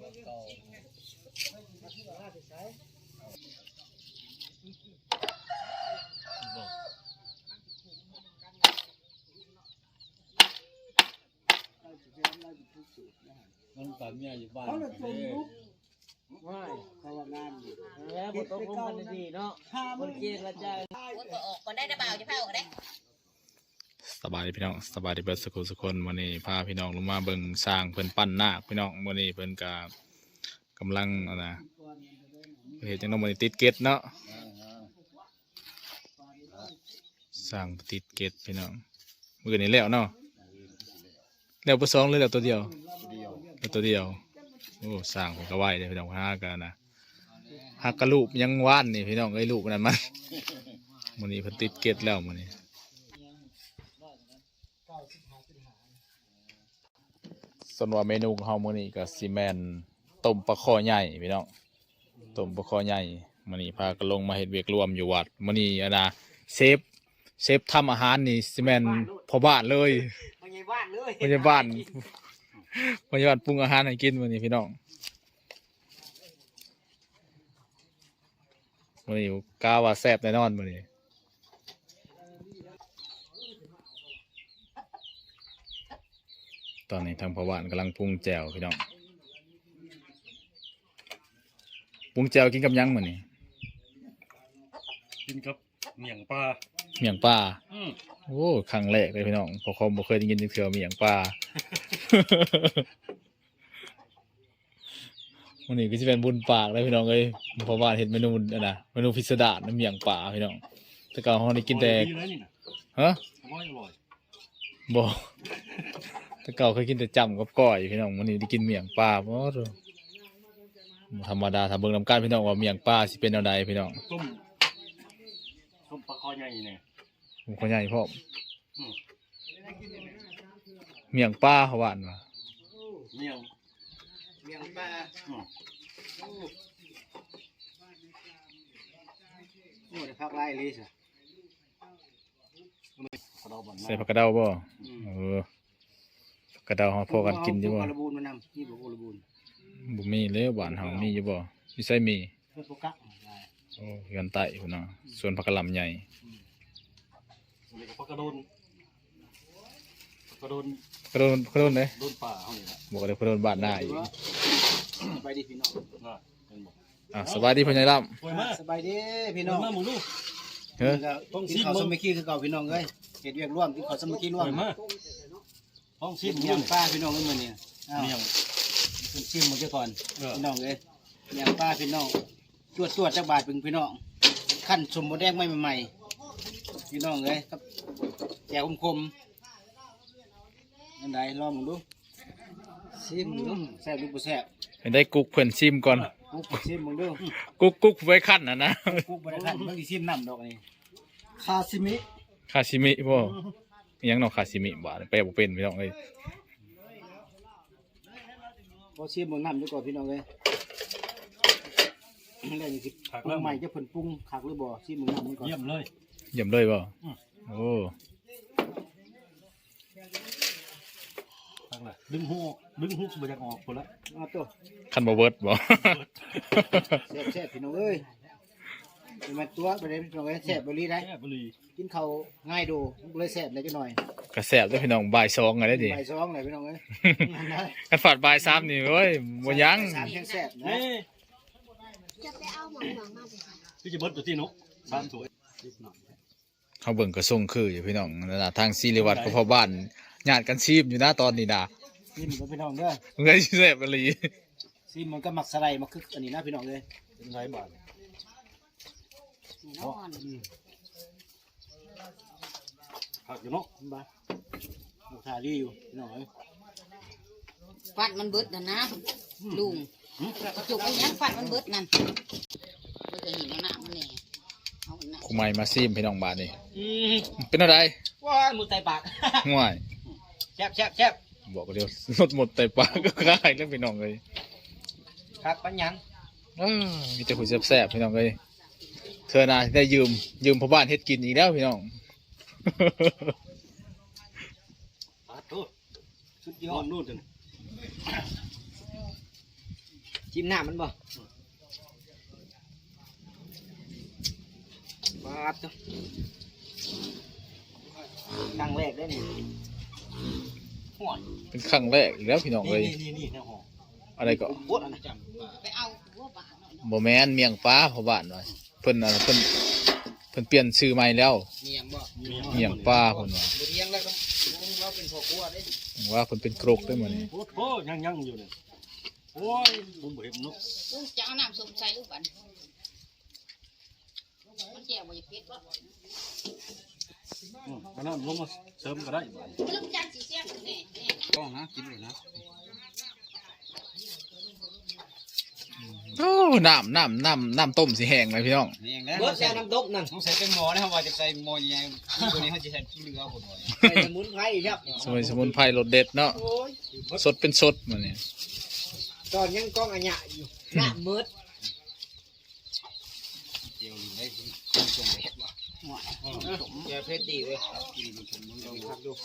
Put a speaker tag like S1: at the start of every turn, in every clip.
S1: มันแบบเมียอยู่บ้าน
S2: ไม่เขาว่างานอยู่แล้วบทต้องลงกันดีเนาะคนเกณฑ์ละใจออกก่อนได้นะบ่าวจะพาออกได้
S3: สบายดีพี่น้องสบายดีเบิดสุขคนวันนี้พาพี่น้องลงมาเบิ่งสร้างเพิ่นปั้นนาคพี่น้องวันนี้เพิ่นกำลังนะเห็นจังน้องวันนี้ติดเกตเนาะสร้างติดเกตพี่น้องมื้อนี้แล้วเนาะแล้วบ่สองเลยแล้วตัวเดียวตัวเดียวโอ้สร้างเพิ่นก็ไหวเด้พี่น้องหากันนะหักกระลูกยังว่านนี่พี่น้องเอ้ยลูกนั่นมันมื้อนี้เพิ่นติดเกตแล้วมื้อนี้ส่วนว่าเมนูของเฮามื้อนี้ก็สิแม่นต้มปลาคอใหญ่พี่น้องต้มปลาคอใหญ่มื้อนี้พากันลงมาเฮ็ดเวียกรวมอยู่วัดมื้อนี้นะเชฟทำอาหารนี่สิแม่นพ่อบ้านเลย
S2: ไม่ใช่บ้านเลย
S3: พ่อบ้านพ่อบ้านปรุงอาหารให้กินมื้อนี้พี่น้องมื้อนี้กล้าว่าแซ่บแน่นอนมื้อนี้ตอนนี้ทางพ่อบ้านกำลังปรุงแจ่วพี่น้องปรุงแจ่วกินกับยังมื้อนี้
S1: กินกับเมี่ยงปลา
S3: โอ้ครั้งแรกเลยพี่น้องพอคอมบ่เคยได้ยินเถื่อเมี่ยงปลามื้อนี้ก็สิเป็นบุญปากเลยพี่น้องเอ้ยพ่อบ้านเฮ็ดเมนูนะเมนูพิสดารเมี่ยงปลาพี่น้องแต่ก่อนเฮาได้กินแต่ฮะบ่แต่เก่าเคยกินแต่จำกับก้อยพี่น้องมื้อนี้ได้กินเมี่ยงปลาบ่ธรรมดาถ้าเบิ่งนำกันพี่น้องว่าเมี่ยงปลาสิเป็นแนวใดพี่น้อง
S1: ต้มปลาคอใหญ่เนี่ย
S3: ผมขอใหญ่พ่อเมี่ยงปลาเขาหวานว่ะ
S1: เมี่ย
S2: งปลาโอ้ยพักไล่เลยสิ
S3: ใส่ผักกระเดาบ่ผักกระเดาเฮาพอกันกินอยู่บ่
S2: ระบูนมานำนี่บ่ระบูน
S3: บ่มีเลยหวานเฮามีอยู่บ่มีใส่มีโอ้กันไตพุ่นน่ะส่วนผักกะหล่ำใหญ่
S1: ผักกระโดน
S3: เด้
S1: โดนป่าเฮานี่ล่ะ
S3: บ่ก็ได้กระโดนบ้านหน้าอีก
S2: สบายดีพี่น้อง
S3: สบายดีพ่อใหญ่ล่
S2: ำสบายดีพี่น้อง
S1: มาหมู่ลูก
S3: เฮ้ย
S2: ต้องกินข้าวสมัคคีคือเก่าพี่น้องเอ้ยเฮ็ดเวียกร่วมกินข้าวสมัคคีร่วม
S1: ห้องชิม
S2: เมี่ยงปลาพี่น้องเอ้ยมื้อนี้
S1: เมี่ยง
S2: เพิ่นชิมมื้อก่อนพี่น้องเอ้ยเมี่ยงปลาพี่น้องจวดจักบาทเป็นพี่น้องขั้นสมบ่แดงใหม่ๆพี่น้องเอ้ยครับแจ่วคมๆนั่นใดลองดูชิมดูแซ่บหรือบ่แซ่บ
S3: ให้ได้กุ๊กเพิ่นชิมก่อน
S2: กุ๊กชิมมึงดู
S3: กุ๊กไว้คั่นน่ะนะ
S2: กุ๊กบ่ได้คั่นเพิ่นสิชิมน้ำดอกนี่คาซิมิ
S3: บ่อิหยังเนาะคาซิมิบ่แปลบ่เป็นพี่น้องเอ้ย
S2: บ่ชิมมึงน้ำอยู่ก่อนพี่น้องเอ้ยแล้วนี่สิปรุงใหม่จะเพิ่นปรุงคักหรือบ่ชิมมึงน้ำนี่ก่อน
S1: เยี่ยมเลย
S3: บ่โอ้
S1: ตั้งเลยดึงหูบ่อยากออกพุ่นละ
S2: เอาตัว
S3: คันบ่เบิดบ่
S2: แซ่บพี่น้องเอ้ยมันตัวบ่ได้พี่น้องเอ้ยแซ่บบ่ลีได้กินข้าวง่ายดูเลยแซ่บเลยจังหน่อย
S3: ก็แซ่บเด้อพี่น้องบ่าย2อะได้ดิ
S2: บ่าย2เลยพี่น้องเอ้ย
S3: กันฝาดบ่าย3นี่โอ้ยบ่ยัง
S2: 3ยังแซ่บนะ
S4: จะไปเอาหมอนมาสิ
S1: พี่จะเบิดตัวที่นุ๊ก3ถ้วย
S3: เขาเบิ่งก็ส่งคืออยู่พี่น้องนะทางศิริวัฒน์ก็พ่อบ้านญาติกันซีมอยู่นะตอนนี้นะ
S2: ซีมกับพี่น้องเด้อ
S3: มึงได้แซ่บอีหลี
S2: ซีมมันก็มักสไลด์มาคึกอันนี้นะพี่น้องเอ้ย
S1: เป็นไรบาทผักอยู่เนาะ
S2: บ้าลูกทารีอยู่พี่น้องเอ้ย
S4: ฟัดมันเบิดนะนะลุงจุกไอ้ยังฟัดมันเบิดนั่นมันจะหินน้ำมันเนี่ย
S3: คุไมมาซีมพี่น้องบาทนี่เป็นอะไร
S2: ว้ามือไตปาก
S3: ง่าย
S2: แซ่บ
S3: บอกเดียวลดหมดไตปากก็คล้ายเรื่องพี่น้องเลย
S2: ครับปัญญัง
S3: มีแต่คุยแซ่บพี่น้องเลยเธอนะได้ยืมพ่อบ้านเฮ็ดกินอีกแล้วพี่น้อง
S1: สุดยอดนู่นจัง
S2: จิ้มหน้ามันบ่ปาดจ้ะครั้งแรกได้นี่ห่วย
S3: เป็นครั้งแรกอีกแล้วพี่น้องเอ้ย
S1: นี่นะหอ
S3: อะไรก็
S2: โคตรอันนั้น
S4: ไปเอาหัวปลาหน่อยเนาะ
S3: บ่แม่นเมียงปลาพ่อบ้านว่าเพิ่นน่ะเพิ่นเปลี่ยนชื่อใหม่แล้ว
S2: เมียงบ่
S3: เมียงปลาเพิ่นว่า
S2: บ่เลี้ยงแล้วก็เราเป็นพ่อครัวเด้
S3: ว่าเพิ่นเป็นกรกได้มื้อนี้
S1: โอ้โหยังอยู่เนี่ยโอ้ยผมเห็นนก
S4: ลูกจะเอาน้ำส้มใส่ลูกบันมันแจ่วบ่อยากเผ็ดบ่
S1: อันนั้นลงมาเสริมก็ได้
S4: ลูกจานสีเสียงแน่แน่
S2: ต้องนะกินเลยนะ
S3: โอ้น้ำต้มสิแห้งไหมพี่น้อง
S2: เมียงแล้วบ่ใส่น้ำดบนั่นต้องใส่เป็นหม้อนะครับว่าจะใส่หม้อใหญ่ตัวนี้เขาจะใส่เรือพุ่นว่าใส่สมุนไพรครับ
S3: สมุนไพรรสเด็ดเนาะ
S2: โอ้ย
S3: สดเป็นสดมื้อนี้
S2: ตอนยังกล้องอันหยะอยู่หน้ามืดเจียวอยู่ได้ส่งไปเฮ็ดบ่อย่าเพชรดีเลยกินมันชมมันต้องพักดู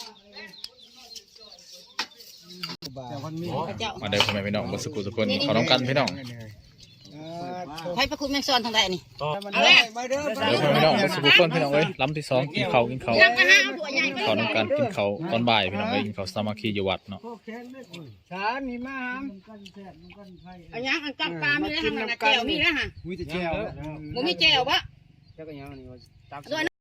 S2: แต่วันนี้
S4: พระเจ้า
S3: มาได้พ่อแม่พี่น้องบ่สุขทุกคนขอน้องกันพี่น้อง
S4: ไผประคุณแมงซอนทางใดนี่
S2: เอาเลยมาเด้อ
S3: เดี๋ยวพ่อแม่พี่น้องบ่สุขทุกคนพี่น้องเอ้ยลำที่สองกินข้าว
S4: ยังก็หาเอาถั่วใหญ่ไป
S3: ขอน้องกันกินข้าวตอนบ่ายพี่น้องเอ้ยกินข้าวสามัคคีอยู่วัดเนาะ
S2: ช้านี่มาหาม
S4: อันยังอันจับปลามีแล้วทางนั้นแจ่วมีแล้วฮะ
S2: มีแต่แก้ว
S4: บ่มีแจ่วบ่
S2: แล้วก็ยังนี่ว่าตัก